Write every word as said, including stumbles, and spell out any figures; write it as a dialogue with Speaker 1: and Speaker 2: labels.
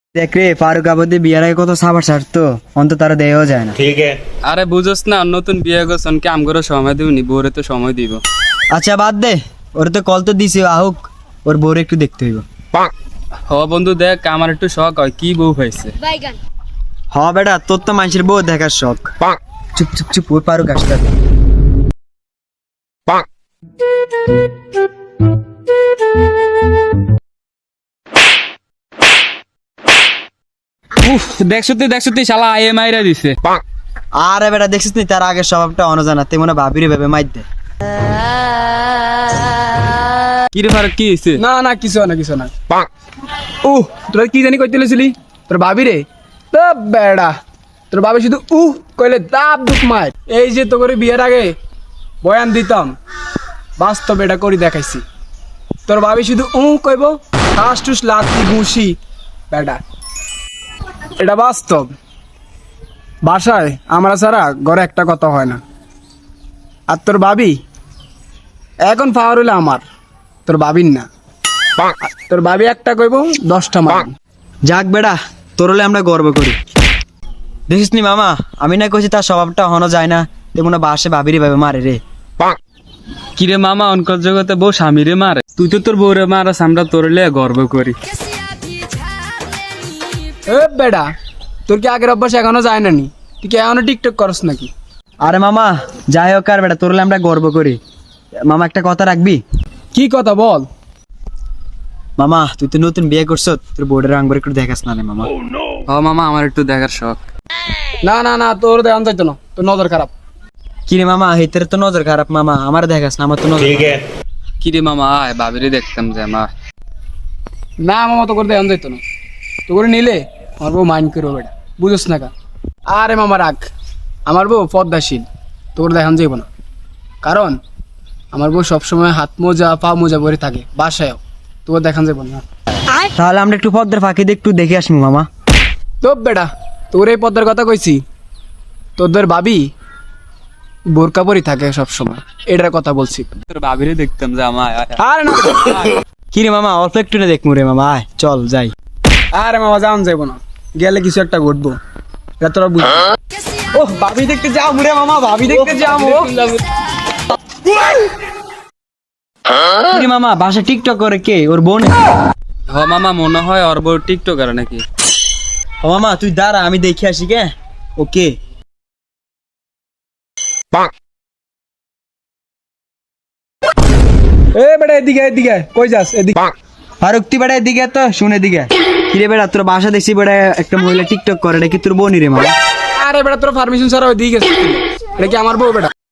Speaker 1: দেখ রে ফারুক আবাদি বিয়ার আগে কত সাবার ছাড়তো অন্ত তারা দেওয়া যায় না।
Speaker 2: ठीक है।
Speaker 3: আরে বুঝোস না নতুন বিয়ে করছন কি আমগরে সময় দিবনি বউরে তো সময় দিব।
Speaker 1: আচ্ছা বাদ দে, ওর তো কল তো দিছি আহুক, ওর বউরে একটু দেখতে হইব।
Speaker 3: হ বন্ধু দেখ আমার একটু শখ হয় কি বউ হয়েছে।
Speaker 1: হ বেটা তোর তো মানুষের বউ দেখার শখ। চুপ চুপ চুপ ওই ফারুক আসতে
Speaker 3: উফ দেখছো তুই দেখছো তুই শালা আইএ মাইরা দিছে।
Speaker 1: আরে বেটা দেখছিস নি তার আগের স্বভাবটা অনজানা, তুই মনে ভাবিরে ভেবে মাইর দে।
Speaker 3: কি রে ফারুক কি হয়েছে?
Speaker 4: না না কিছু না কিছু না। উহ তোরা কি জানি কইতে লইছিলি তোর ভাবি রে? তো বেড়া তোর ভাবি শুধু উহ কইলে দাব দুঃখ মার। এই যে তো করে বিয়ের আগে বয়ান দিতাম, বাস্তব এটা করি দেখাইছি। তোর ভাবি শুধু উহ কইব, ঠাস টুস লাতি ঘুষি বেড়া, এটা বাস্তব। বাসায় আমরা ছাড়া ঘরে একটা কথা হয় না। আর তোর ভাবি এখন পাওয়ার হইলে আমার, তোর ভাবির না। তোর ভাবি একটা কইব দশটা মার।
Speaker 1: যাক বেটা তোর হলে আমরা গর্ব করি। দেখিস নি মামা আমি না কইছি তার স্বভাবটা হনো যায় না, তুই মনে বাসে ভাবিরে ভেবে মারে রে।
Speaker 3: কি রে মামা অনকর জগতে বউ স্বামীরে মারে, তুই তো তোর বউরে মারাস আমরা তোর লে গর্ব করি।
Speaker 4: এ বেডা তোর কি আগের অভ্যাস এখনো যায় না নি? তুই কি এখনো টিকটক করস নাকি?
Speaker 1: আরে মামা যাই হোক আর বেটা তোর হলে আমরা গর্ব করি। মামা একটা কথা রাখবি?
Speaker 4: কি কথা বল।
Speaker 1: মামা তুই তো নতুন বিয়ে করছ, তোর বোর্ডের আঙ্গুর একটু দেখাস না রে মামা।
Speaker 3: হ মামা আমার একটু দেখার শখ।
Speaker 4: না না না তোর দেখান যাইতো না, তোর নজর খারাপ।
Speaker 1: কি রে মামা হেতের তো নজর খারাপ, মামা আমার দেখাস না, আমার তো নজর
Speaker 2: ठीक है।
Speaker 3: কি রে মামা আয় ভাবিরে দেখতাম যে আমার।
Speaker 4: না মামা তো করে দেখান যাইতো না, তো করে নিলে আমার বউ মাইন্ড করবো বেটা, বুঝোস না কা? আরে মামা রাখ, আমার বউ পদ্মাশীল, তোর দেখান যাইব না। কারণ আমার বউ সবসময় হাত মোজা পা মোজা পরে থাকে বাসায়ও, তোর দেখান যাইব না।
Speaker 1: তাহলে আমরা একটু পদ্মের ফাঁকি দিয়ে একটু দেখে আসবো মামা।
Speaker 4: তো বেটা তোর এই পদ্মার কথা কইছি, তোদের ভাবি বোরকা পরি থাকে সবসময়, এটার কথা বলছি।
Speaker 3: তোর ভাবিরে দেখতাম যে আমার।
Speaker 4: আরে না
Speaker 1: কি রে মামা অল্প একটু না দেখমু রে মামা, আয় চল যাই।
Speaker 4: আরে মামা যান যাইব না, গেলে কিছু একটা ঘটবো, এটা তোরা বুঝ। ও ভাবি দেখতে যাও মুরে মামা, ভাবি দেখতে যাও।
Speaker 1: কি রে মামা বাসা টিকটক করে কে, ওর বোন?
Speaker 3: হ মামা মনে হয় ওর বউ টিকটকার নাকি।
Speaker 1: ও মামা তুই দাঁড়া আমি দেখে আসি কে। ওকে
Speaker 4: এ বেটা এদিকে এদিকে কই যাস? এদিকে
Speaker 1: ফারুক তুই বেটা এদিকে তো শুনে দিকে। কি রে বেটা তোর বাসা দেখছি বেটা একটা মহিলা টিকটক করে, এটা কি তোর বোনই রে মামা?
Speaker 4: আরে বেটা তোর পারমিশন ছাড়া ওইদিকে গেছিস? এটা কি আমার বউ বেটা?